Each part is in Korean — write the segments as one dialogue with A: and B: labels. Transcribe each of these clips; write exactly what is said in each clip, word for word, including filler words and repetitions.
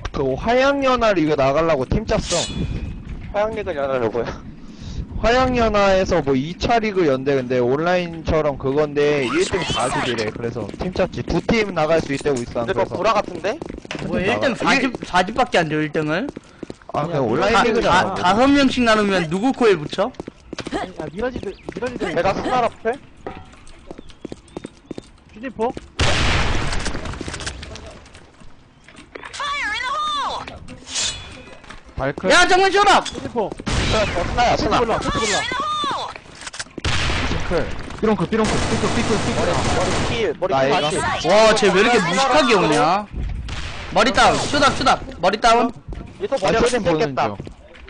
A: 그 화양연화 리그 나가려고 팀 짰어.
B: 화양리그 연하려고요.
A: 화양연화에서 뭐 이 차 리그 연대 근데 온라인처럼 그건데 일 등 사십이래. 그래서 팀 짰지. 두 팀 나갈 수 있다고 있어.
B: 근데 뭐
A: 그래서.
B: 구라 같은데?
C: 뭐 일 등 사십, 사십밖에 안 돼, 일 등을.
A: 아 그냥 온라인
C: 다,
A: 리그잖아.
C: 다, 다섯 명씩 나누면 누구 코에 붙여?
D: 아니, 야, 미라지들, 미라지들.
B: 내가 스나 라플?
D: 슈니포?
A: 발클.
C: 야, 정문 쇼답!
D: 슈니포.
B: 저 스나야
D: 패스
B: 스나.
D: 몰라, 패스 몰라.
A: 클. 삐롱클 삐롱클 삐끗 삐끗
B: 머리
A: 삐끗.
B: 머리 킬 머리
A: 나
B: 킬
A: 이거.
B: 다시.
C: 와, 쟤 왜 이렇게 무식하게 오냐? 머리 다운, 쇼답, 쇼답, 머리 다운.
B: 얘또
A: 아
B: 머리
A: 쇼nem 보는
B: 뜯겠다.
A: 중.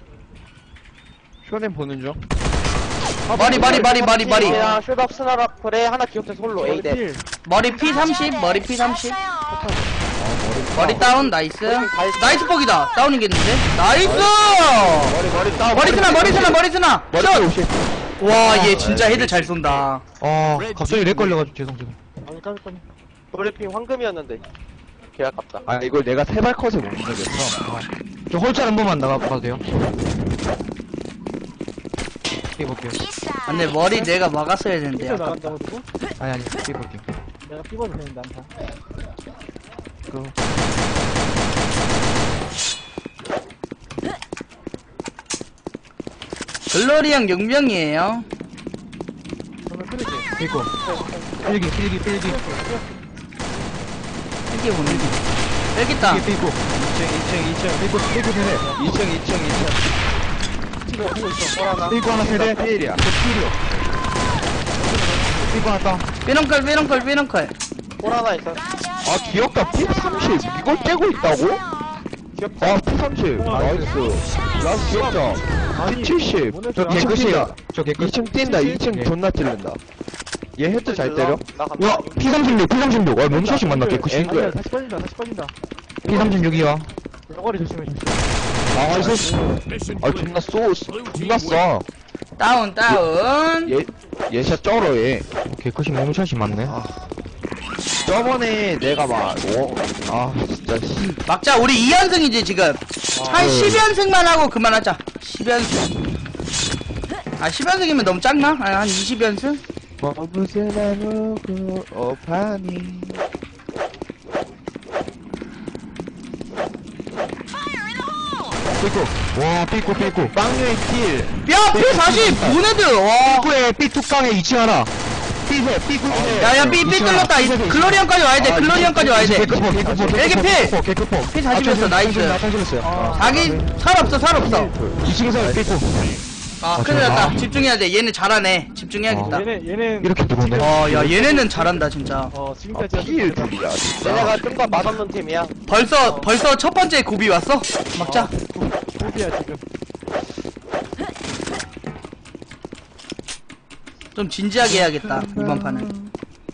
A: 쇼nem 보는 중.
C: 머리, 머리, 머리, 머리, 머리.
B: 야 슈답 스나 라플에 하나 기억자 솔로
D: 머리
B: 에이데.
D: 필.
C: 머리 피 삼십, 머리 피 삼십. 머리 다운, 나이스. 나이스 폭이다. 다운이겠는데? 나이스!
A: 머리 머리 따.
C: 머리 쓰나, 머리 쓰나, 머리 쓰나!
A: 머리
C: 슛!
A: 오십.
C: 와, 얘 진짜 헤드 잘 쏜다.
A: 아 갑자기 렉 걸려가지고 죄송 죄송.
D: 아니, 까비, 까비.
B: 브리핑 황금이었는데. 개 아깝다.
A: 아 이걸 내가 세발 컷에 못 넣겠어.
E: 저 홀짤 한 번만 나가봐도 돼요? 삐볼게요.
C: 아, 근데 머리 내가 막았어야 되는데.
D: 삐져
C: 아깝다.
D: 나간다고 두고?
E: 아니 아니 삐볼게요.
D: 내가 삐버도 되는데, 안타.
C: 글로리형 용병이에요.
D: 정말 쓰레기.
E: 삐고. 필기 필기 필기.
C: 이게 보는 게. 여기 있다.
E: 삐 삐고.
A: 이 층 이 층 이 층.
E: 삐고 삐고 세대.
A: 이 층 이 층 이 층.
D: 치고 보고 있어.
B: 뭘 하나?
E: 삐고 하나 세대.
A: 필이야.
E: 삐고 하나 땅.
C: 삐렁컬, 삐렁컬, 삐렁컬.
B: 볼 하나 있어.
A: 아 귀엽다. 피 삼십. 이걸 떼고 있다고?
B: 귀엽다.
A: 아 피 삼십. 나이스. 나이스 귀엽다. 피 칠십.
D: 저
A: 이 층
E: 개끝이에요.
A: 뛴다.
E: 저 개끝.
A: 이 층 뛴다. 이 층
E: 예.
A: 존나 찌른다. 얘 헤드 잘 때려.
B: 나 간다.
E: 와 피 삼십육 피 삼십육. 아 몸샷이 맞나
A: 앵글.
E: 개끝이.
D: 아니야, 다시 빠진다, 다시 빠진다.
E: 피 삼십육이요.
D: 너거리 조심해, 조심해.
A: 아 이거. 아 존나 쏘. 존나 써.
C: 다운, 다운.
A: 얘 얘샷 쩔어 얘.
E: 개끝이 몸샷이 맞네.
A: 아. 저번에 내가 막, 오, 아, 진짜, 씨.
C: 막자, 우리 이 연승이지, 지금. 한 십 연승만 하고 그만하자. 십 연승. 아, 십 연승이면 너무 작나? 아, 한 이십 연승?
A: 머부스나 누구, 오파니.
E: 삐고. 와 삐고 삐고.
A: 빵류의 킬.
C: 야, 피 사십! 보네드! 와.
E: 삐고에 삐 뚜껑에 이 층 하나. 삐세 삐고에.
C: 야, 야, 삐, 삐 뚫렸다. 글로리언까지 와야 돼, 글로리언까지 와야 돼.
E: 개끝포 개끝포.
C: 여기 필!
E: 개끝포.
C: 피 사십이었어, 나이스.
E: 나탄실했어요.
C: 자기, 살 없어, 살 없어.
E: 이 층에서 삐고.
C: 아,
E: 아,
C: 큰일
E: 저-
C: 났다.
E: 아.
C: 집중해야 돼. 얘네 잘하네. 집중해야겠다.
D: 얘네, 얘네.
E: 이렇게 들어오네.
C: 어, 야, 얘네는 잘한다, 진짜.
D: 어,
A: 아,
D: 지금까지.
A: 필 둘이야, 진짜.
B: 얘네가 좀 더 맛없는 팀이야.
C: 벌써, 벌써 첫 번째 고비 왔어? 막자.
D: 고비야, 지금.
C: 좀 진지하게 해야겠다, 이번 판은.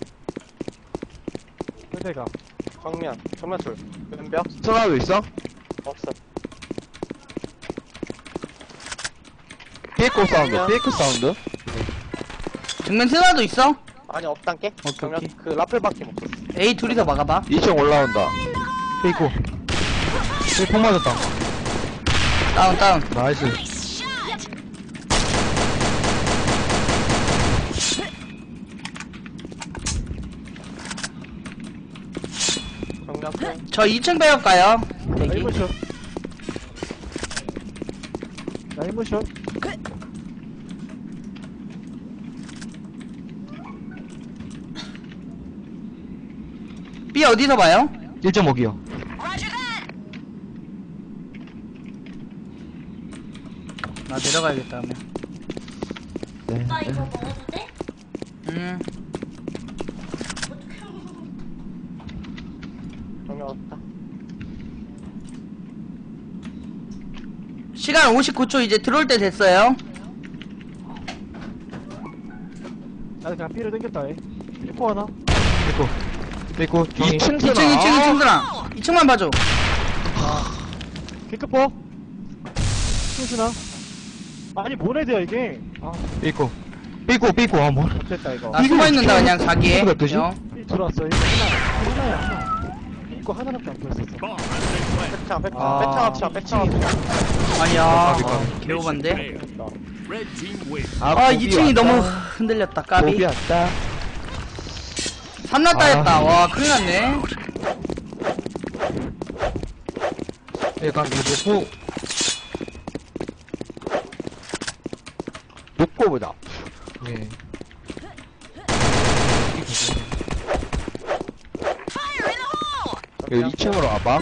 D: 세대가.
B: 정면. 정면 줄. 왼벽.
A: 스나도 있어?
B: 없어.
A: 삐코 사운드, 삐코 사운드?
C: 정면 스나도 있어?
B: 아니 없단게.
C: 오케이,
B: 정면
C: 오케이.
B: 그 라플밖에 못 썼어.
C: A 둘이서 막아봐.
A: 이 층 올라온다.
E: 삐고. 삐폭 맞았다.
C: 다운, 다운.
E: 나이스.
B: 정면 풀.
C: 저 이 층 배역 가요.
D: 나
C: 대기.
D: 일 분 슛. 나 일 분 슛.
C: B 어디서 봐요?
E: 일 점 오기요.
C: 나 내려가야겠다, 하면.
A: 네.
F: 오빠 이거 먹어도 돼?
C: 음.
B: 정면 없다.
C: 시간 오십구 초 이제 들어올 때 됐어요.
D: 나도 그냥 삐를 당겼다, 얘. 삐포 하나.
E: 삐고. 삐고.
A: 이 층
C: 이 층, 이 층, 이 층 들아. 이 층만 봐줘.
D: 킥크포. 킹스나. 아니, 뭐래야 이게. 아,
E: 삐고. 삐고 삐고. 아 뭐.
D: 못했다, 이거.
C: 나 숨어있는다, 그냥 사기에.
E: 이거 몇 도지?
C: 형.
D: 삐 들어왔어. 이거 하나. 하나야, 하나. 이거 하나밖에 안 보였었어.
B: 백창, 백창,
C: 아.
B: 백창 합창, 백창 합창.
C: 아니야.
E: 까비,
C: 아,
E: 까비.
C: 개오반데?
A: 아,
C: 아,
A: 고비
C: 이 층이
A: 왔다.
C: 너무 흔들렸다, 까비.
A: 고비 왔다.
C: 삼라 따였다. 와, 큰일 났네.
E: 약간 이거 놓고
A: 놓고 보자.
E: 예.
A: 여기 이 층으로 와봐.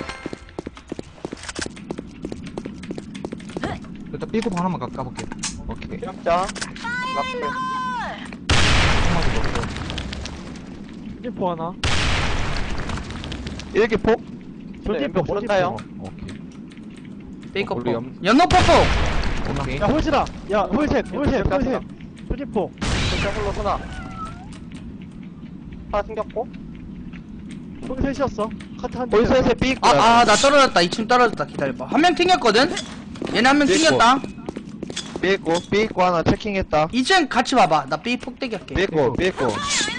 E: 일단 삐고 하나만 까- 까볼게요.
A: 오케이.
B: 진짜. 라플.
E: 한마디 먹고.
D: 찜포 하나.
A: 일기 폭?
D: 돌진포,
B: 모른다요.
D: 돌진포.
A: 오케이.
C: 베이커
A: 우리
C: 포.
A: 염-
C: 연노 뽀뽀.
E: 오케이.
D: 야, 홀시다. 야, 홀셋, 홀셋,
B: 홀셋
D: 홀셋. 돌진포.
B: 진짜 홀로 소나. 하나 생겼고.
D: 홀셋이었어. 카트 한 대.
A: 홀셋에 삐
C: 아, 아, 나 떨어졌다. 이 층 떨어졌다. 기다려봐. 한 명 튕겼거든? 얘네 한 명
A: 삐고.
C: 튕겼다.
A: 삐고 삐고 하나 체킹했다.
C: 이 층 같이 봐봐. 나 B 폭대기 할게.
A: 삐고 삐고.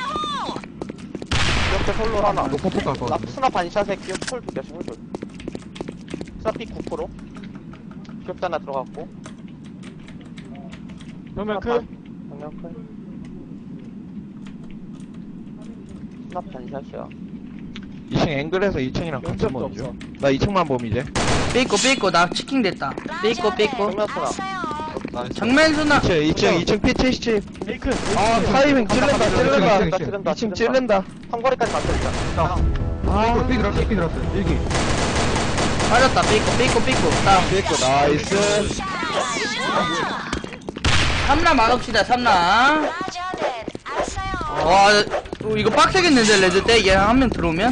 B: 기억자 홀로 하나.
E: 놓고 폭 갈거
B: 나
E: 같은데.
B: 스나 반샷에 기억 홀 두 개씩 홀 둘. 스나 삐 구 퍼센트. 기억자 하나 들어갔고.
D: 정면 크.
B: 정면 클. 스나 반샷이야.
A: 이 층 앵글에서 이 층이랑 같이
D: 연습도
A: 보는
D: 없어.
A: 중. 나 이 층만 봄 이제.
C: 삐고, 삐고. 나 치킨 됐다. 삐고, 삐고.
B: 정면 스나.
C: 정면 수나.
A: 이 층 이 층 이 층 피 칠십.
D: 메이크.
A: 아 타이밍 찔른다 찔른다.
B: 찔른다 찔른다.
A: 이 층 찔른다.
B: 삼거리까지 맞춰 일단.
E: 삐, 삐 들었어, 삐 들었어. 일기.
C: 맞았다. 삐고, 삐고, 삐고. 다음.
A: 삐고 나이스.
C: 삼라 막읍시다. 삼라. 와, 어, 이거 빡세겠는데, 레드 때? 얘 한 명 들어오면?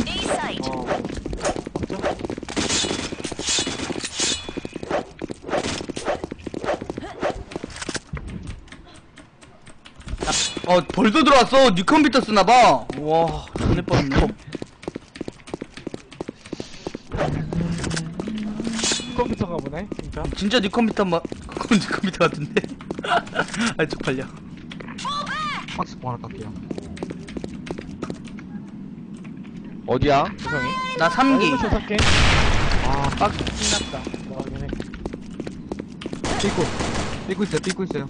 C: 어, 벌써 들어왔어. 뉴 컴퓨터 쓰나봐. 와, 전에 뻔했네.
D: 컴퓨터가 보네. 진짜.
C: 진짜 뉴 컴퓨터 뭐, 그건 뉴 컴퓨터 같은데? 아, 쪽팔려.
E: 박스 포 하나 깎게요.
A: 어디야? 구성이?
C: 나 삼 기.
D: 아, 이거 살게.
C: 아, 빡, 신났다.
D: 나가긴 해.
E: 삐고. 삐고 있어요, 삐고 있어요.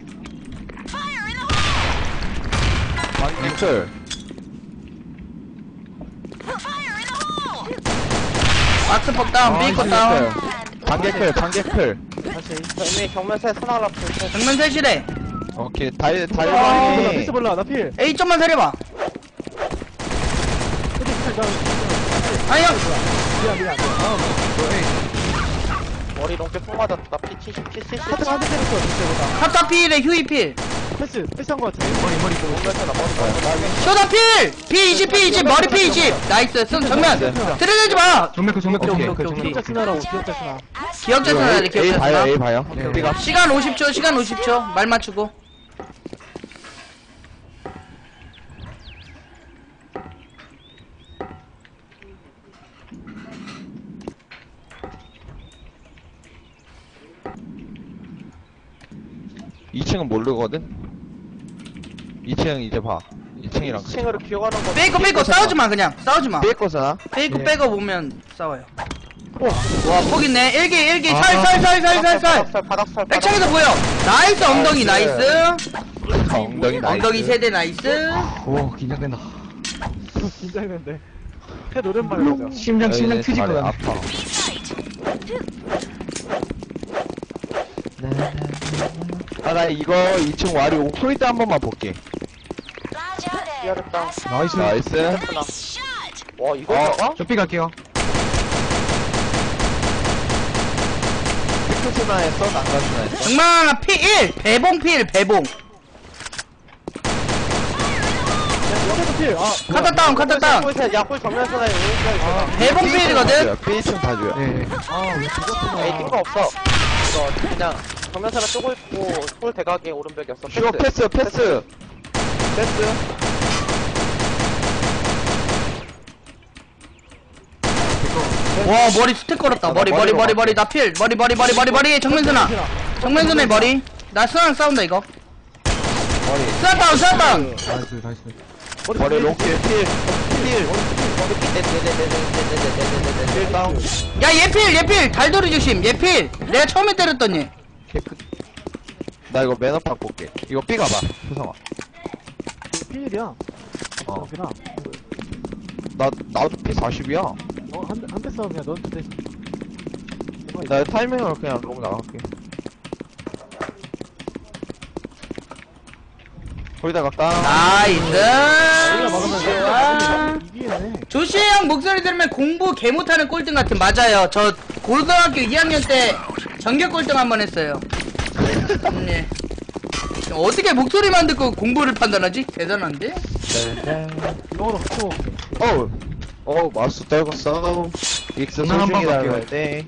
A: 앵글.
C: 박스 폭 다운,
E: 아,
C: 삐고
E: 이거
C: 다운.
A: 반개클 반개클.
B: 다시. 이미 경면세 스나 라플.
C: 정면 셋이래.
A: 오케이 달
D: 아, 나
A: 달방이.
D: 피스 몰라. 나 필.
C: A 좀만 세려봐.
D: 어디 필, 나.
C: 아니야.
D: 미안, 미안. 아,
B: 머리 롱게 폭 맞았다. 피 칠십, 피 칠십.
D: 카트 한대 때렸어. 진짜.
C: 카타 필에 휴이 필.
D: 패스, 패스한 거 같은데.
E: 머리, 머리 보고.
B: 경면세 나 머리.
C: 쇼다 필! 피 이십, 피 이십, 머리 피 이십. 나이스, 승 정면. 들이대지 마.
E: 정면 크, 정면 크,
C: 오케이,
E: 정면 크,
C: 오케이,
E: 정면
C: 오케이.
D: 기억자 스나라고, 기억자 스나.
C: 기억자 써야 돼,
A: A
C: 기억자
A: 봐요 A
C: 써.
A: 봐요.
E: 네.
A: 삐가.
C: 시간 오십 초, 시간 오십 초. 말 맞추고.
A: 이 층은 모르거든. 이 층 이제 봐. 이 층이랑.
B: 이 층으로 기어가는 거.
C: 빼고 빼고 싸우지 마, 그냥. 싸우지 마.
A: 삐거잖아.
C: 빼고
E: 예.
C: 빼고 보면 싸워요.
D: 오,
C: 와, 폭 있네. 일기, 일기.
E: 아.
C: 살, 살, 살, 살, 살, 살.
B: 바닥살, 바닥살.
C: 백창에서 보여. 나이스, 엉덩이, 나이스.
A: 엉덩이 나이스.
C: 엉덩이 세대, 나이스.
E: 오, 긴장된다.
D: 긴장된대. 해 오랜만에 가자.
E: 심장, 심장
A: 여기는
E: 트질 것
A: 잘해,
E: 같네.
A: 아파. 아, 나 이거 이 층 와리 오프로이드 한 번만 볼게.
B: 기어랬다.
E: 나이스.
A: 나이스.
B: 와, 이거
A: 어.
B: 들어가?
E: 저 삐 갈게요.
A: 피크스나 했어? 난간스나 했어?
C: 정말 피 일. 배봉 필, 배봉.
D: 여기도 필. 아,
C: 카타 다운, 카타 다운.
B: 야골 야골 정면에서 나의 오른쪽
C: 배봉 필이거든.
A: B 층 봐줘요.
E: 네.
B: 에이 뛴거 없어. 이거 그냥 정면사나 쪼고 있고 홀 대각에 오른벽이었어.
A: 슈어 패스, 패스. 패스.
C: 와, 머리 스택 걸었다. 머리, 머리, 머리, 머리. 나 필. 머리, 머리, 머리, 머리, 머리. 정면선아. 정면선의 머리. 나 스나랑 싸운다, 이거.
A: 머리.
C: 스나 다운, 스나 다운.
E: 나이스, 나이스.
A: 머리 롱킬 필. 필.
B: 네네네네네네네네네네네네네
A: 필 다운.
C: 야 예필 예필 달돌이 조심 예필 내가 처음에 때렸더니
A: 개끝. 나 이거 매너팍 볼게. 이거 삐 가봐. 효성아.
D: 피일이야.
A: 어.
D: 그렇구나.
A: 나, 나도 피 사십이야.
D: 어, 한, 대- 한대 싸움 그냥 너한테 돼.
A: 나 타이밍으로 그냥 롱 나갈게. 거기다 갈까?
C: 나이스
D: 우리가 막으면
C: 좋아.
D: 돼. 이기겠네.
C: 조시 형 목소리 들으면 공부 개 못하는 꼴등 같은 맞아요. 저 고등학교 이 학년 때 전교 꼴등 한 번 했어요. 음, 예. 어떻게 목소리만 듣고 공부를 판단하지? 대단한데?
D: 이거로 같이 먹을게.
A: 어우. 어우, 마우스 떨궜어. 익스
E: 누나 한번
A: 소중히
E: 갈게요.
A: 달아야 돼.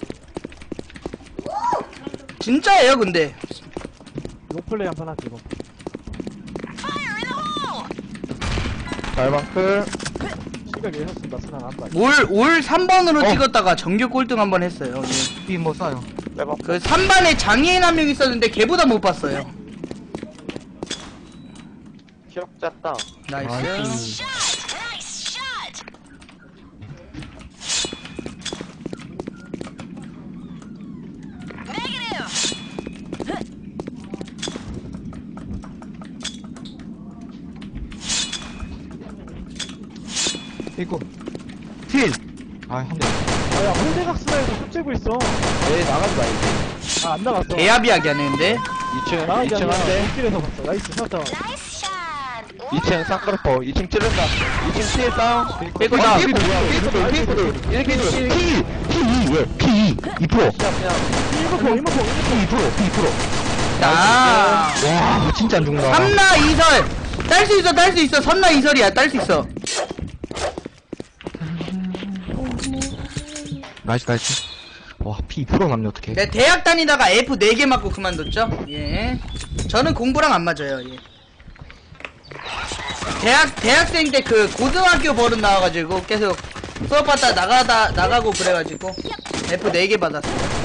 C: 진짜예요 근데
D: 롱플레이 한 판 할게, 이거.
A: 달방클.
D: 시각 예상습니다. 순한 안 봐.
C: 올, 올 삼 번으로
E: 어.
C: 찍었다가 전교 꼴등 한 번 했어요. 예.
E: 삐뭐 쏴요.
B: 빼봐
C: 그 삼 반에 장애인 한 명 있었는데 걔보다 못 봤어요.
B: 기억잡다
C: 나이스.
E: 이거. 필. 아, 한 대.
D: 아, 야, 홀대각스나에서 흡재고 있어.
A: 에이, 나가지 말지.
D: 아, 안 나갔어.
C: 개합이하게 하는데.
A: 이 층,
D: 나가지
A: 이 층
D: 않아.
A: 한 대.
D: 길에서 봤어. 나이스, 세웠다.
A: 이 층 쌍꺼풀. 이 층 찌른다. 이 층 필 다운.
C: 빼고
A: 어,
C: 다운.
A: 삐 뭐야? 삐 삐 삐. 이렇게 삐.
E: 피, 피, 왜? 피, 이 프로.
B: 그냥 그냥
D: 일목포, 일목포,
E: 피, 이 프로, 피, 이 프로.
C: 나.
E: 와, 진짜 안 죽는다.
C: 삼나 이설. 딸 수 있어, 딸 수 있어. 선나 이설이야, 딸 수 있어.
E: 나이스, 나이스. 와, 피 이 프로 남네, 어떡해.
C: 내가 대학 다니다가 에프 네 개 맞고 그만뒀죠? 예. 저는 공부랑 안 맞아요, 예. 대학, 대학생 때 그 고등학교 버릇 나와가지고 계속 수업 받다 나가다, 나가고 그래가지고 에프 네 개 받았어요.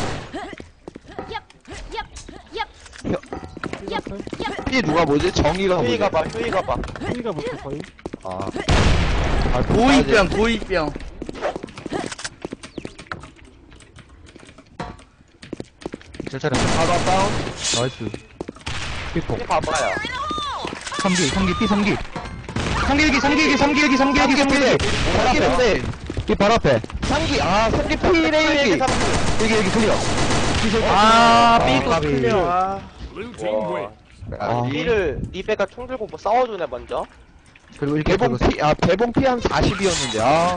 A: 삐 누가 뭐지? 정의가 뭐지?
B: 휴이가 봐 휴이가 봐
D: P가 못해, 거의.
A: 아. 아,
C: 고이병, 고이병.
E: 잘 차려.
A: 하나 다운.
E: 나이스. 삐포.
B: 휴이 봐봐요
E: 삼 기, 삼 기, 삐 삼 기. 삼 기 일기, 삼 기 일기, 삼 기 일기, 삼 기 일기, 삼 기 일기.
A: 삼기인데.
E: 삐 바로 앞에.
A: 삼기, 아, 삼기 필에 일기.
E: 일기, 일기, 클리어.
C: 아,
E: 아,
C: 삐고
E: 까비.
C: 클리어.
B: 와
E: 아.
B: B를 리베가 총 들고 뭐 싸워주네 먼저
E: 그리고 일기
A: 대봉
E: 들어갔어.
A: 피, 아, 대봉 피 한 사십이었는데, 아.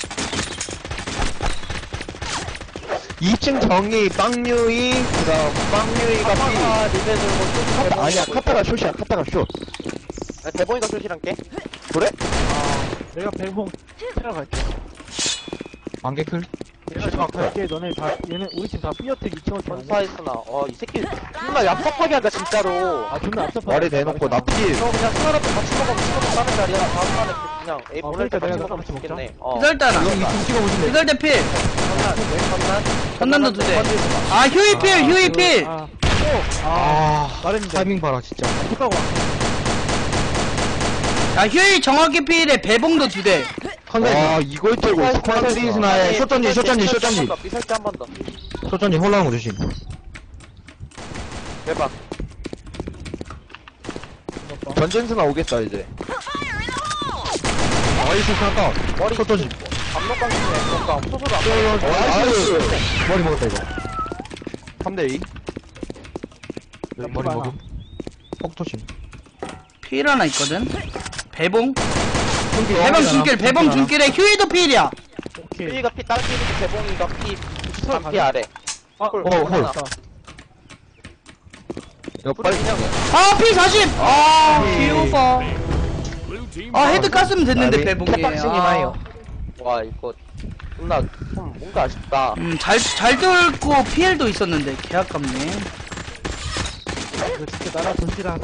A: 이 층 정의, 빵유이, 그 다음, 빵유이가 피.
B: 카타가 리베 들고 총
A: 카타, 아니야, 카타가 숏이야, 카타가 숏.
B: 대본이가 쇼시랑 깨?
A: 그래?
D: 내가 백봉 테러 갈게.
E: 안개 클.
D: 내가 갈게. 너네 다, 얘네, 우리 팀 다 삐어택 이 층
B: 전사했으나 어이 새끼 존나 얍삽하게 한다 진짜로
D: 아, 존나 앞잡아.
A: 머리 대놓고 나 필.
B: 너 그냥 수아랑 같이 먹으면 치고도 싸는 자리야 다음 판에 그냥 에이
D: 어,
B: 보낼 때
D: 그러니까
B: 같이
D: 내가
B: 먹으면
D: 같이 먹자.
B: 좋겠네 어
C: 이설따나.
E: 이거 이층 찍어보실래?
C: 이설 대 필.
B: 전난 전난
C: 전난도 두 대. 아, 휴이 필, 휴이 필.
D: 아,
E: 아,
D: 말했는데.
E: 타이밍 봐라, 진짜.
D: 못 가고 왔어.
C: 아, 휴이 정확히 필에 배봉도 두 대.
A: 와, 이걸 들고 있어.
E: 컨트리스나의 숏전지, 숏전지, 숏전지.
B: 삐설때 한 번더
E: 소전이 홀라운 거 조심.
B: 대박
A: 전전스나 오겠다, 이제.
E: 나이스, 샷다.
B: 머리
E: 소전지.
B: 압록강 중에 뭔가 소소도 안
A: 어, 나이스.
E: 머리 먹었다, 이거.
A: 삼 대 이.
E: 머리 먹음. 폭토심.
C: 필 하나 있거든. 배봉.
E: 어,
C: 배봉 중길, 배봉 중길에 휴이도 필이야.
D: 오케이.
B: 삐가 피 딸 피고 대봉이가 피
D: 설
B: 반피 아래
D: 아,
B: 홀,
E: 어, 홀.
B: 하나.
A: 이거 빨리 그냥.
C: 아, 피 사십! 아, 귀여워. 아, 헤드 깠으면 됐는데,
A: 아니,
C: 배봉이.
A: 탭박싱이
C: 아.
A: 나요.
B: 와 이거 존나 좀 뭔가 아쉽다
C: 음, 잘, 잘 뚫고 피엘도 있었는데, 개 아깝네.
D: 이거 진짜 나라 도시락.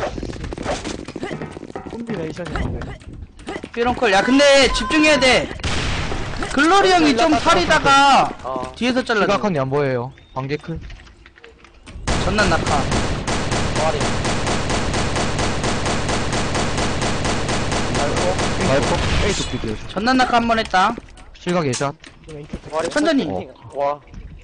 D: 콤비네이션이었는데.
C: 피런콜. 야, 근데 집중해야 돼. 글로리 형이 좀 살이다가
B: 어
C: 뒤에서 잘라줘.
E: 시각한이 안 보여요. 안개 클.
C: 전난 낙하.
B: 동아리
A: 와이퍼 A 도끼 뒤에서.
C: 전난낙하 한 번 했다.
E: 실각 예샷.
B: 와리
C: 천천히.
B: 어. 와.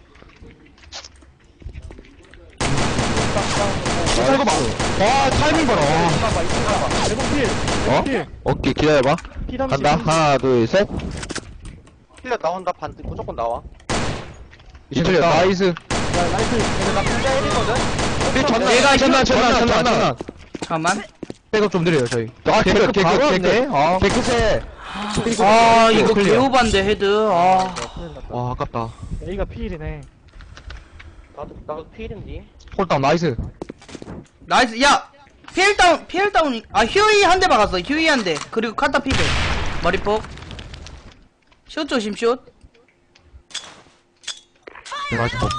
A: 이거 봐. 와 타이밍 봐라. 와.
D: 봐봐 이층 봐봐 대공필
A: 어?
D: 필
A: 오케이 기다려봐.
D: 피 삼십
A: 간다. 하나 둘 셋.
B: 힐러 나온다. 반 무조건 나와.
A: 이틀려 나이스.
D: 야 라이트
B: 나 진짜 일이거든.
A: 전난
C: 얘가
A: 전난
C: 힘-
A: 전난 전난 전난.
C: 잠깐만.
E: 백업 좀 드려요 저희.
A: 아 개그
E: 개그,
A: 바로
E: 개그,
A: 왔네. 아
E: 개그세.
C: 아 이거
E: 클리어.
C: 개오반데 헤드. 아.
E: 와 아깝다.
D: A가 피일이네
B: 나도 나도 필인디.
E: 홀다운 나이스.
C: 나이스. 야 피엘 다운 피엘 다운이. 아 휴이 한 대 박았어. 휴이 한 대. 그리고 카타 피백. 머리폭. 슛 조심 슛.
E: 맛있고.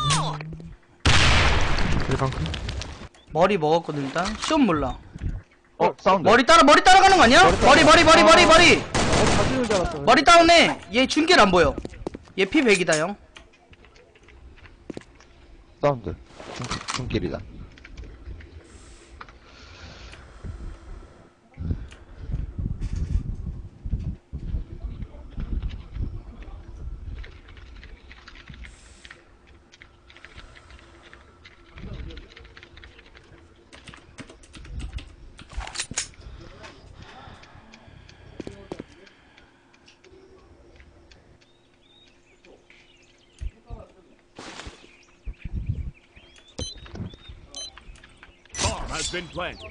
E: 실각.
C: 머리 먹었거든 일단. 슛 몰라.
A: 어 사운드.
C: 머리 따라 머리 따라가는 거 아니야? 머리 머리 머리 머리 머리.
D: 어 가지는 줄 알았어
C: 머리 다운해. 얘 중길 안 보여. 얘 피 백이다 형.
A: 사운드. 중, 중길이다.
F: Bomb has been planted.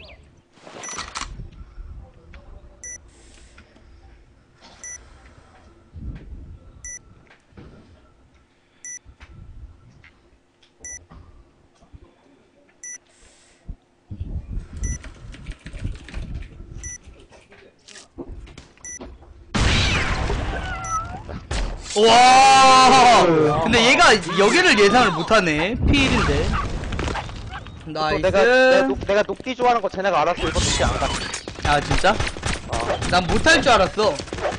C: 와. 근데 얘가 여기를 예상을 못하네. 피일인데.
B: 또
C: 나이스.
B: 내가 내가, 녹, 내가 녹디 좋아하는 거 쟤네가 알았어. 이거 녹디 안 가.
C: 아 진짜?
B: 어.
C: 난 못할 줄 알았어.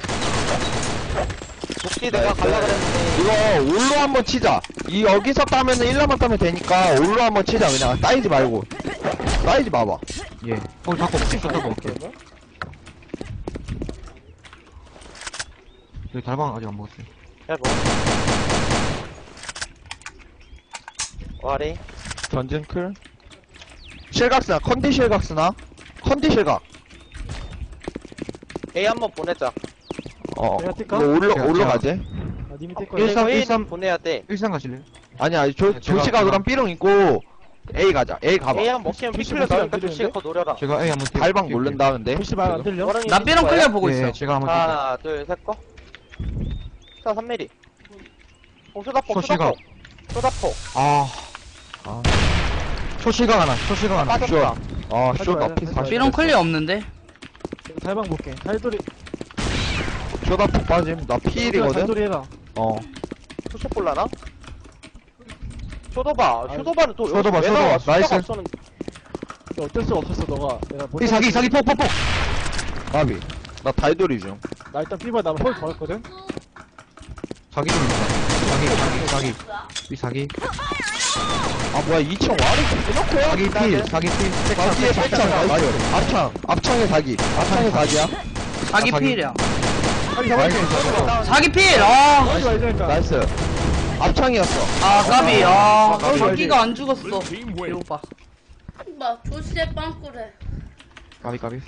B: 녹디 내가 갈라 그랬는데.
A: 이거 올로 한번 치자. 이 여기서 따면은 일라만 따면 되니까 올로 한번 치자. 그냥 따이지 말고. 따이지 마봐.
E: 예. 홀 잡고 킥 잡고 올게. 여기 달방 아직 안 먹었어요.
B: 잘 먹어. 와리.
A: 전진 클. 실각스나 컨디 실각스나 컨디 실각.
B: A 한번 보내자.
A: 어.
D: 내가 뛸까?
A: 이거 올로
E: 제가-
A: 올로
E: 제가-
A: 가지.
D: 아 님이 뛸 거야
E: 일삼,
B: A
E: 일삼.
B: 보내야 돼.
E: 일상 가실래요?
A: 아니야 조
E: 제가-
A: 조시가 그럼 삐롱 있고 A 가자. A 가봐.
B: A 한번 먹히면
D: 조시
B: 피클려 나오니까
D: 먹히면
B: 조시 거 노려라.
E: 제가 A 한번 뛸-
A: 달방
E: 뛸게요.
A: 모른다 근데.
D: 혹시 말 안 들려?
B: 워런이
C: 나 삐롱
B: 있을
C: 클리어
B: 거야?
C: 보고
E: 예,
C: 있어.
E: 제가 한번 뛸게요.
B: 하나, 둘, 셋 거. 자, 삼 밀리미터. 어, 쇼다폭,
E: 소시가.
B: 쇼다폭. 쇼다폭.
E: 아.
A: 아.
E: 초실각 하나. 초실각 하나.
B: 빠졌다.
A: 아,
D: 하지
A: 쇼
D: 말자,
A: 나피
D: 하지
A: 사십.
C: 삐롱 클리어 없는데.
D: 달방 볼게 달돌이
A: 쇼다폭 빠짐. 나 피일이거든.
D: 달돌이 해라
A: 어.
B: 투쇼 볼라나? 쇼도바. 쇼도바는 또
E: 쇼도바,
B: 여기서 왜
E: 쇼도바.
B: 나와?
E: 나이스.
B: 숫자가 없었는데.
D: 근데 어쩔 수 없었어 너가 내가 못
E: 이 사기 사기 폭폭폭.
A: 까비. 나 달돌이 중.
D: 나 일단 삐봐 나면 홀 걸었거든
E: 사기 좀 있다. 사기 사기 사기. 이 사기.
A: 아 뭐야 이 층 와리 대놓고
E: 사기 필. 사기 필.
A: 아 뒤에 백창 나이스. 앞창. 앞창의 사기. 앞창의 사기야.
C: 사기
E: 사기.
C: 피일이야.
D: 사기 잡을게
C: 사기 피일. 아.
D: 하지 말자니까
A: 나이스. 앞창이었어.
C: 아 까비. 아
D: 까비.
C: 사기가 안 죽었어.
F: Blue team win.
C: 배고파.
G: 막 조시에 빵꾸래.
E: 까비 까비.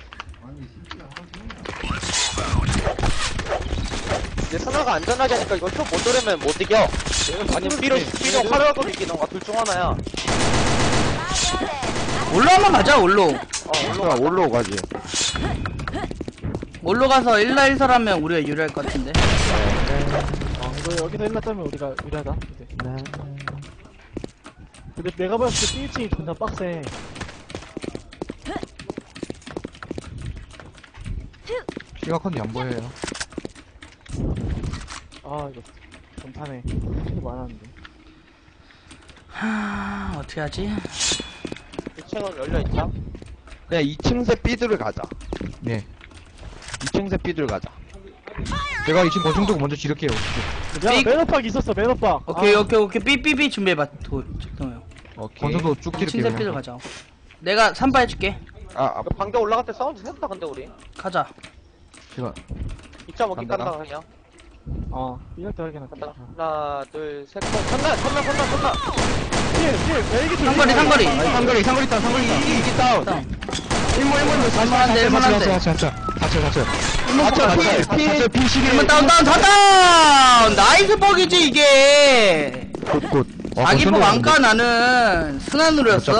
B: 이제 선화가 안전하게 하니까 이거 쇼 못 노리면 못 이겨. 아니면 삐로, 삐로 화려하고 이기던가 둘 중 하나야.
C: 올로 한번 가자 올로.
B: 어,
A: 올라 올라 가지.
C: 올로 가서 일 나 일 설하면 우리가 유리할 것 같은데.
D: 어 이거 여기서 일났다면 우리가 유리하다 이제 근데 내가 봤을 때 삐 층이 존나 빡세
E: 시각컨디 안 보여요.
D: 아 이거 좀 타네 킬이 많았는데
C: 하 어떻게 하지?
B: 이 층은 열려있다.
A: 그냥 이 층새 삐들을 가자.
E: 네.
A: 이 층새 삐들 가자.
E: 제가 이층 권총 두고 먼저 지를게요.
D: 야
C: 삑.
D: 매너박 있었어 매너박
C: 오케이
D: 아,
C: 오케이 오케이 삐삐삐 준비해봐. 도 정동요.
A: 오케이.
E: 권총도 쭉 지를게요.
C: 친세 삐들 가자. 내가 삼바 해줄게.
A: 아, 아
B: 이거 방대 올라갈 때 사운드 셌다, 근데 우리.
C: 가자.
E: 제가
B: 이 점 오기
A: 간다.
B: 깐다 그냥.
D: 어 이럴 때 확인해.
B: 간다. 하나 둘셋 간다. 간다 간다 간다.
D: 뒤에 뒤에 헬기
C: 상거리 상거리
E: 상거리 상거리 있다 상거리 있다
A: 이기 다운.
E: 일문 일문
C: 일문한데, 일문한데.
E: 자체 자체 자체 자체
A: 아차 필
E: 자체 피 십일
C: 일문 다운 다운 다운 다운 나이스 버기지 이게
E: 굿굿
C: 자기 폭 안까 나는 순환으로였어.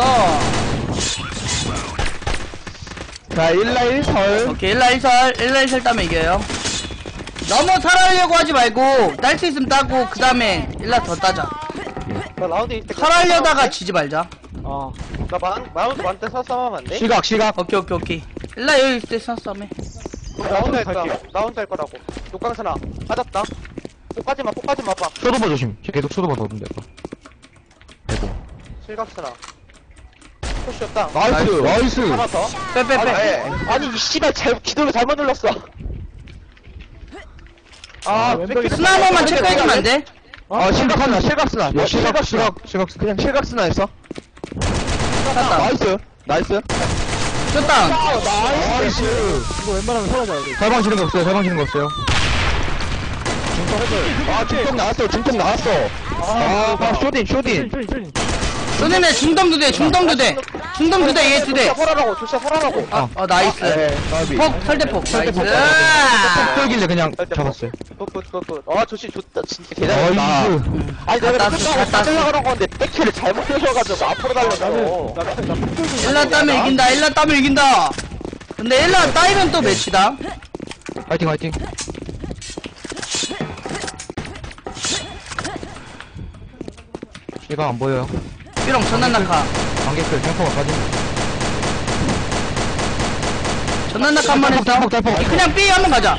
A: 자 일라 일설.
C: 오케이 일라 일설 일라 일설 따면 이겨요. 너무 살아려고 하지 말고 딸 수 있으면 따고 그 다음에 일라 더 따자.
B: 나 라운드 있을 때.
C: 살아려다가 지지 말자.
D: 어
B: 나 만, 라운드 만때 싸싸하면 안 돼?
E: 시각 시각
C: 오케이 오케이 오케이 일라 여기 있을 때 싸싸매.
B: 라운드 할 거야.
D: 갈게.
B: 라운드 할 거라고. 녹강선아. 맞았다. poka지 마, poka지 마, 봐.
E: 쇼도버 조심 계속 쇼도버 넣으면 될까 아이고
B: 실각선아. 푸시였다.
A: 나이스.
E: 나이스
B: 하나 더.
C: 빼빼빼.
B: 아니, 이 씨발, 잘, 기도를 잘못 눌렀어. 아,
D: 왼쪽에
C: 스나 한 번만 체크해주면 안 돼?
A: 아 실각스나 실각스나.
E: 야 시각
A: 실각스나.
E: 시각 시각
A: 그냥 실각스나 했어.
C: 땄다.
A: 나이스. 나이스.
C: 쇼다운.
A: 나이스.
D: 이거 웬만하면 사라져야 돼.
E: 달방 치는 거 없어요 달방 치는 거 없어요
A: 아 중통 나왔어. 중통 나왔어. 아, 아 쇼딘 쇼딘.
D: 쇼인 쇼인.
C: 너네네 중덤 두 대, 중덤 두 대. 중덤 두 대, 얘 두 대.
B: 조시야, 설하라고, 조시야, 설하라고.
C: 아, 어, 나이스.
A: 네. 까비.
C: 폭, 설대폭. 나이스.
E: 폭 떨길래 그냥 잡았어요
B: 굿, 굿, 굿. 아, 조시 좋다. 진짜 대단하다.
E: 나이스
B: 아니, 내가
C: 땄어,
B: 끝나고
C: 땄어.
B: 빠져나가는 건데, 백키를 잘못 쓰셔가지고 앞으로 달렸어.
D: 나는 나나 폭돌
C: 일라 따면 이긴다, 일라 따면 이긴다. 근데 일라 따이면 또 매치다.
E: 화이팅 화이팅 시각 안 보여요
C: 삐롱 전난 낙하.
E: 관객들 탱커가 빠진
C: 전난 낙하 한 번 했어.
E: 달폭, 달폭, 달폭.
C: 그냥 삐 한번 가자.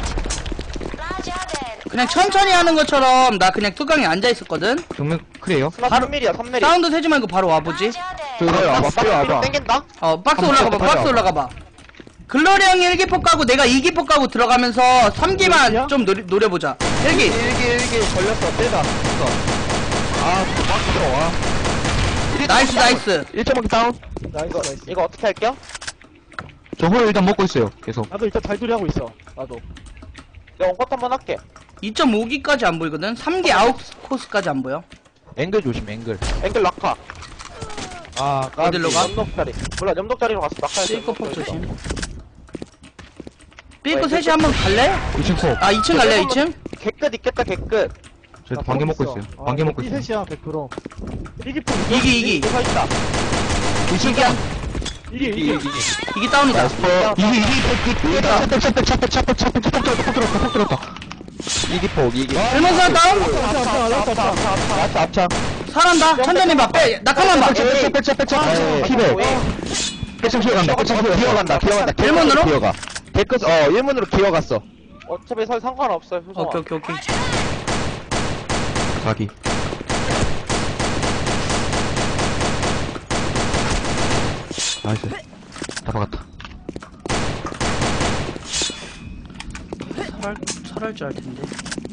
C: 그냥 천천히 하는 것처럼 나 그냥 뚜껑에 앉아 있었거든.
E: 정면 크리에요
B: 스나
C: 바로-
B: 삼 밀리야, 삼 밀리.
C: 사운드 세지 말고 바로 와보지.
A: 저기 와봐. 빨리 와봐.
B: 땡긴다?
C: 어, 박스
E: 한번
C: 올라가봐,
E: 쭉
C: 박스
E: 빨리
C: 올라가봐. 글로리 형이 일 기폭 가고 내가 이 기폭 가고 들어가면서 삼 기만
D: 일기야?
C: 좀 노리, 노려보자. 일 기.
A: 일기 일기 걸렸어. 빼다. 됐어. 아, 막 들어와.
C: 나이스, 나이스.
A: 일 점 오 다운.
D: 나이스
B: 이거,
D: 나이스.
B: 이거 어떻게 할게요?
E: 저 홀 일단 먹고 있어요 계속
D: 나도 일단 달돌이 하고 있어. 나도.
B: 내가 원컷 한번 할게.
C: 이 점 오 기까지 안 보이거든? 삼 기 아웃 코스까지 안 보여.
A: 앵글 조심. 앵글.
B: 앵글 낙하.
A: 아,
C: 어디로 가?
B: 염독자리. 몰라, 염독자리로 갔어. 낙하야.
C: 삐꼬 폭 조심. 삐꼬 셋이 한번 갈래?
E: 이 층 폭.
C: 아, 이 층 갈래, 이 층?
B: 개끝 있겠다, 개끝.
E: 저 반개 먹고 있어요 반개 먹고 있어요
D: 셋이야 백 퍼센트. 이기 폭
C: 이 기, 이 기.
B: 이거 있다.
C: 이 기 한,
D: 이기
A: 이기
D: 이기.
A: 이기.
C: 이 기 다운이다.
E: 이게 이게 차폭 차폭 차폭 차폭 차폭 차폭 들었다 폭 들었다 폭 들었다
A: 이기 폭 이기.
C: 일문사 다운?
A: 앞차 앞차.
C: 살한다. 천천히 봐. 빼. 낙하만 봐.
E: 차폭 차폭 차폭 피백 백창 기어간다 백창 기어간다
A: 기어간다. 기어간다.
C: 일문으로?
A: 기어가. 개끝 어 일문으로 기어갔어.
B: 어차피 설 상관없어요, 효성아.
C: 오케이, 오케이, 오케이.
E: 자기 나이스 다 박았다
C: 살할, 살할 줄 알 텐데.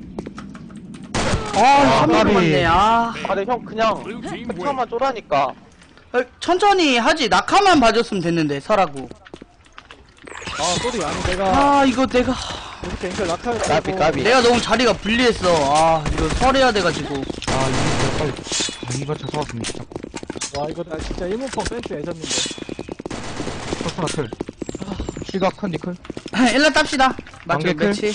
C: 아, 한
E: 까비.
C: 번 맞네. 아.
B: 아, 근데 형 그냥
F: Blue team wins.
B: 패턴만 쪼라니까.
C: 어, 천천히 하지. 낙하만 봐줬으면 됐는데, 설하고.
D: 아 소리 아니 내가
C: 아, 이거 내가.
D: 이렇게 앵글 낙하를
A: 까비 까비.
C: 내가 너무 자리가 불리했어. 아, 이거 설해야 돼가지고.
E: 아 이거 빨리 아 이거 찾아왔으면 진짜
D: 와 이거 나 진짜 일문펑 센스 애졌는데.
E: 퍼스나 틀 시각 컨디클
C: 일라 땁시다. 맞죠,
E: 관계 클?
C: 매치.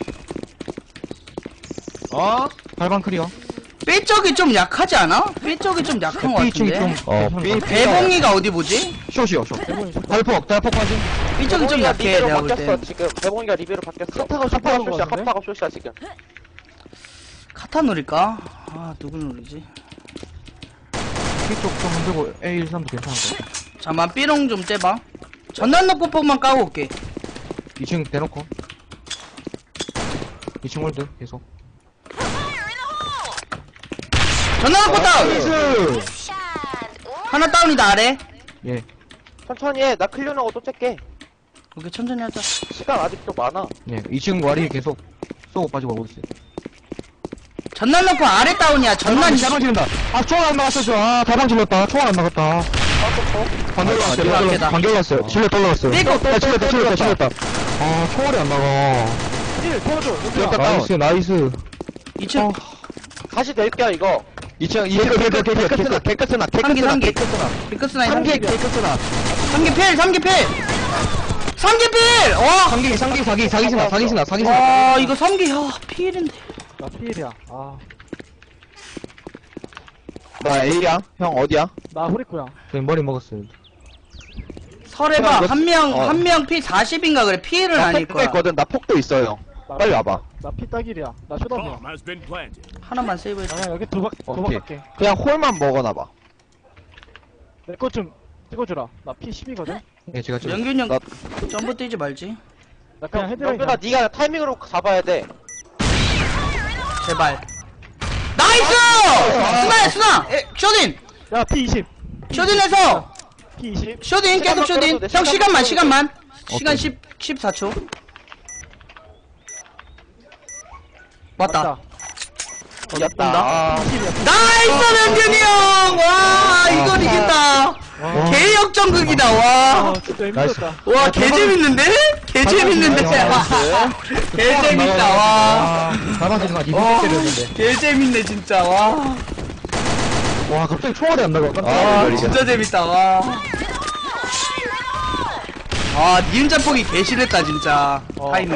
A: 어?
E: 팔방 클리어
C: 삐 쪽이 좀 약하지 않아? 삐 쪽이 좀 약한 것
E: B 층이 좀
C: 같은데.
A: 어,
E: 괜찮은
A: B-
E: 것 같아.
C: 배봉이가 어디 보지?
E: 숏이요 숏
D: 대본이 좋다.
E: 달폭 달폭 빠진
C: 삐 쪽이 좀
B: 대봉이가
C: 약해,
B: 리베로
C: 내가 볼
B: 바뀌었어,
C: 때.
B: 지금. 대봉이가 리베로 바뀌었어.
D: 카타가
B: 카타가
D: 슈퍼하는 거
B: 쇼시야,
D: 같은데?
B: 카타가 쇼시야, 지금.
C: 카타 노릴까? 아, 누굴 노리지?
E: B쪽 좀 흔들고 에이 일삼도 괜찮은 것 같아
C: 잠만, 삐롱 좀 째봐. 전난 넣고 폭만 까고 올게.
E: 이 층 대놓고 이 층 홀드 계속
C: 전난 넣고 다운!
A: 나이스.
C: 하나 다운이다, 아래.
E: 예
B: 천천히 해. 나 클리어하고 또 찰게.
C: 오케이, 천천히 하자.
B: 시간 아직도 많아.
E: 예, 이 층 와리 계속 쏘고 빠지고 오고 있어요.
C: 전난 넣고 아래 다운이야, 전난.
E: 달방 지른다. 아, 총알 안 나갔어, 저. 아, 달방 질렀다. 총알 안 나갔다. 관계 올라왔어요.
C: 아,
E: 관계 올라왔어요. 질러 떨어졌어요.
C: 삐고,
E: 아, 질렀다, 질렀다, 질렀다. 아, 총알이 안 나가.
D: 일 태워줘.
A: 기억다 다운.
E: 나이스, 나이스.
C: 이 층.
B: 다시 낼게요 이거.
A: 이 층, 이 층,
E: 개끝, 개끝,
A: 개끝스나, 개끝스나,
C: 삼기,
A: 개끝스나,
C: 삼기.
A: 개끝스나.
C: 비커스나
A: 삼 개,
C: 삼기
A: 개끝스나.
C: 삼기 필 삼기 필 삼기 필! 와!
E: 삼기, 삼기, 사기, 사기스나, 사기스나, 사기스나.
C: 와 이거 삼기 야 필인데
D: 나 피일이야. 아,
A: 나 A야? 형 어디야?
D: 나 후리코야.
E: 저 머리 먹었어요.
C: 설해봐
A: 형,
C: 한 명
A: 어.
C: 한 명 피 사십인가 그래 필은
A: 나
C: 아닐
A: 폭도
C: 거야
A: 있거든. 나 폭도 있어요.
D: 나,
A: 빨리 와봐.
D: 나 피딱일이야. 나 쇼답이야.
F: Bomb has been planted.
C: 하나만 세이브해
D: 나 그냥 여기 도박, 도박
A: 오케이.
D: 할게.
A: 그냥 홀만 먹어놔봐.
D: 내 거 좀 찍어주라. 나 피 십이거든?
E: 예, 제가 좀.
C: 명균이 형
A: 나-
C: 점프 뛰지 말지
D: 나 그냥 헤드라인.
B: 영준아 네가 타이밍으로 잡아야 돼.
C: 제발 나이스! 스나야 스나! 에, 쇼딘!
D: 야, 피 이십.
C: 쇼딘에서
D: 피 이십.
C: 쇼딘 계속
B: 시간만
C: 쇼딘
B: 끌어도 돼,
C: 형 시간만
B: 시간만
C: 시간만 시간
A: 오케이.
C: 십, 십사 초 왔다
B: 이겼다.
A: 아,
C: 나이스 명균이 형! 와 이건 이겼다 개역전극이다 와
D: 아, 진짜 힘들었다.
C: 와, 개 재밌는데? 개 재밌는데? 개 재밌다, 와.
E: 가만히 가,
C: 와,
E: 이거 때렸는데.
C: 개 재밌네, 진짜, 와.
E: 와, 갑자기 총알이 안 나가. 깜짝
C: 아,
E: 놀랐네.
C: 진짜 재밌다, 와. 아, 니은자 폭이 개 싫었다, 진짜. 타이밍.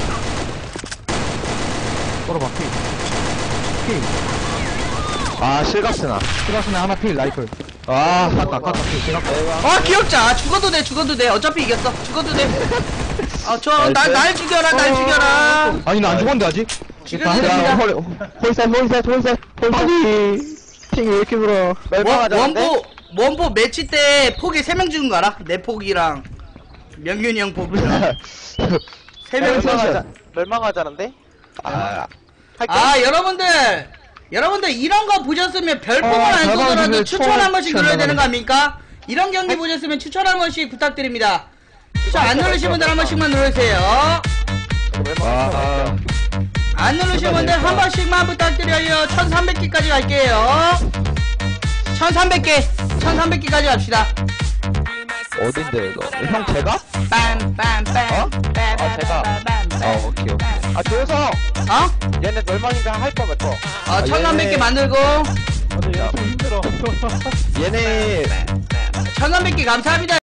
E: 걸어봐, 피. 피.
A: 아, 실각스나.
E: 스라스네 하나 필, 라이플.
A: 아,
E: 깎아, 깎아, 필. 제가
C: 아, 귀엽자. 죽어도 돼, 죽어도 돼. 어차피 이겼어. 죽어도 돼. 아, 저, 날, 날 죽여라, 날 죽여라.
E: 아니, 나 안 죽었는데, 아직?
C: 지금
A: 야,
C: 됩니다.
A: 홀, 홀셋, 홀셋, 홀셋, 홀셋. 팀이 왜 이렇게 불어?
C: 원,
B: 멸망하자는데?
C: 원포, 원포 매치 때 폭이 세 명 죽은 거 알아? 내 폭이랑, 명균이 형 폭이랑. 세 명 죽은 거
B: 멸망하자. 멸망하자는데?
A: 아,
B: 할게.
C: 아 여러분들 여러분들 이런 거 보셨으면 별풍을
E: 어,
C: 안 쏘더라도
E: 대박이네.
C: 추천 한 번씩
E: 추천
C: 눌러야 되는 거
E: 나가네.
C: 아닙니까? 이런 경기 보셨으면 추천 한 번씩 부탁드립니다. 추천 안 누르신 분들 한 번씩만 누르세요.
A: 아,
C: 안 누르신 분들 한 번씩만 부탁드려요. 천삼백 개까지 갈게요. 천삼백 개 천삼백 개까지 갑시다.
A: 어딘데, 이거? 형, 제가?
C: 빰빰빰
A: 어?
B: 아, 제가.
A: 어, 오케이, 오케이.
B: 아 조여성.
C: 어?
B: 얘네 멸망인가 할 거면 또.
C: 어 천삼백 개 만들고
D: 근데 얘 좀 힘들어.
A: 얘네,
C: 천삼백 개 감사합니다.